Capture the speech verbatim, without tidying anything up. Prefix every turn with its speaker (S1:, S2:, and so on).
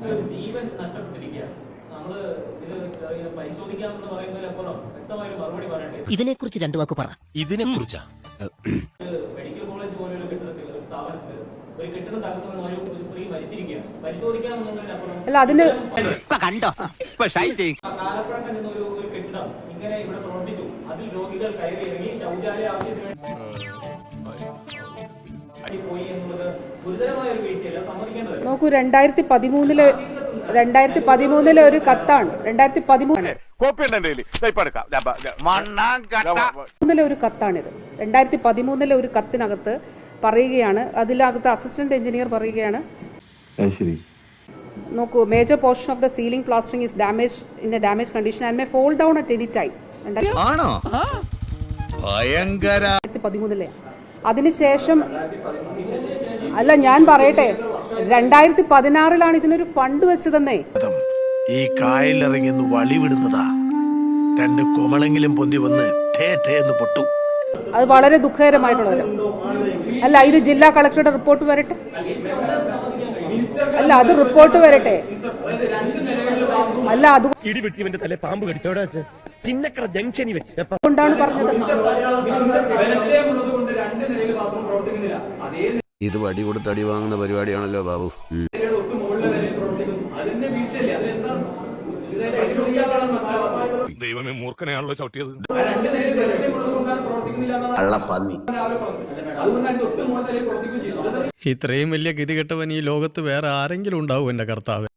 S1: ജീവൻ നഷ്ടപ്പെട്ടിരിക്കുകയാണ്. നമ്മള് ഇത് പരിശോധിക്കാമെന്ന് പറയുന്നതിലപ്പുറം വ്യക്തമായ ഒരു മറുപടി പറയേണ്ടത്.
S2: ഇതിനെക്കുറിച്ച് രണ്ടു വാക്ക് പറ.
S3: ഇതിനെ കുറിച്ചാ
S1: മെഡിക്കൽ കോളേജ് പോലെയുള്ള കെട്ടിടത്തിൽ ഒരു സ്ഥാപനത്തിൽ ഒരു കെട്ടിടം തകർന്നു ഒരു ഒരു സ്ത്രീ മരിച്ചിരിക്കുകയാണ്. പരിശോധിക്കാമെന്നുള്ളതിനപ്പുറം
S4: അല്ല അതിന്
S1: കണ്ടോ കാലപ്പഴക്കം നിന്ന ഒരു ഒരു കെട്ടിടം ഇങ്ങനെ ഇവിടെ പ്രവർത്തിച്ചു. അതിൽ രോഗികൾ കയറി ഇറങ്ങി ശൗചാലയ ആവശ്യത്തിന് പോയി എന്നുള്ളത് ഗുരുതരമായ ഒരു വീഴ്ചയല്ല, സമ്മതിക്കേണ്ടത്.
S4: നോക്കൂ, രണ്ടായിരത്തി പതിമൂന്നില് രണ്ടായിരത്തി പതിമൂന്നിലെ ഒരു കത്താണ് രണ്ടായിരത്തി പതിമൂന്നിലെ ഒരു കത്താണിത്. രണ്ടായിരത്തി പതിമൂന്നിലെ ഒരു കത്തിനകത്ത് പറയുകയാണ്, അതിനകത്ത് അസിസ്റ്റന്റ് എഞ്ചിനീയർ പറയുകയാണ്, നോക്കൂ, major portion of the ceiling plastering is damage in a damage condition and may fall down at any time. രണ്ടായിരത്തി പതിമൂന്നിലെ അതിനുശേഷം അല്ല, ഞാൻ പറയട്ടെ, രണ്ടായിരത്തി പതിനാറിലാണ് ഇതിനൊരു ഫണ്ട് വെച്ചതെന്നേ.
S3: ഈ കായലിറങ്ങി വളി വിടുന്നതാ, രണ്ട് കൊമളെങ്കിലും പൊന്തി വന്ന് പൊട്ടും.
S4: അത് വളരെ ദുഃഖകരമായിട്ടുള്ളത്. അല്ല, ഇത് ജില്ലാ കളക്ടറുടെ റിപ്പോർട്ട് വരട്ടെ. അല്ല, അത് റിപ്പോർട്ട് വരട്ടെ. അല്ല,
S5: ഇടിവെട്ടിവന്റെ തല പാമ്പ് കടിച്ചോടാ ചിന്നക്കട ജംഗ്ഷനിൽ വെച്ച്
S4: കൊണ്ടാണ് പറഞ്ഞത്.
S6: ഇത് വടി കൊടുത്ത് അടി വാങ്ങുന്ന പരിപാടിയാണല്ലോ ബാബു.
S3: ദൈവമേ, മൂർഖനെയാണല്ലോ ചവിട്ടിയത്.
S7: ഇത്രയും വലിയ ഗതികെട്ടവൻ ഈ ലോകത്ത് വേറെ ആരെങ്കിലും ഉണ്ടാവും എന്റെ കർത്താവ്?